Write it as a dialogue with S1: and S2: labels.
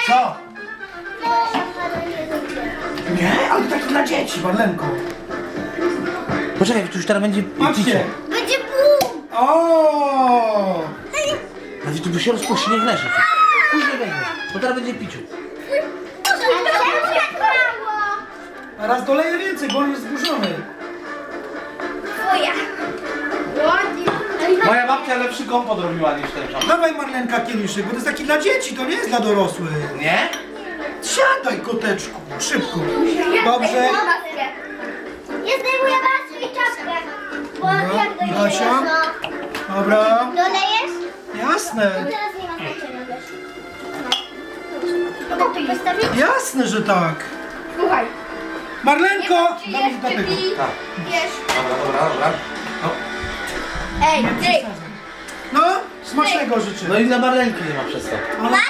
S1: Co? Nie, ale tak dla dzieci, Marlenko.
S2: Poczekaj, tu już teraz będzie
S1: Patrzcie.
S2: picie.
S3: Będzie bum!
S1: O!
S2: Ale tu by się rozpuści, nie wlezie. Później weźmiesz, bo teraz będzie piciu.
S3: A czemu tak mało?
S1: A raz doleję więcej, bo on jest zburzony.
S3: Twoja. Ładnie.
S2: Moja babcia lepszy kompot robiła niż ten czas.
S1: Dawaj Marlenka kieliszek, bo to jest taki dla dzieci, to nie jest dla dorosłych.
S2: Nie?
S1: Siadaj, koteczku, szybko. Dobrze.
S3: Ja zdejmuję maskę i czapkę. Bo
S1: Dobra,
S3: jak dojdziesz,
S1: Basia.
S3: no.
S1: Dobra.
S3: Dolejesz?
S1: Jasne.
S3: Teraz nie ma znaczenia, wiesz. No. To tu postawić?
S1: Jasne, że tak.
S4: Słuchaj,
S1: Marlenko!
S4: czy
S1: Dawaj
S4: jest,
S1: do
S4: czy
S1: tego.
S4: pi,
S2: Tak.
S4: wiesz.
S2: Dobra. No.
S4: Ej, ty,
S1: No, smacznego życzę.
S2: No i dla Marlenki nie ma przez to.
S1: Ale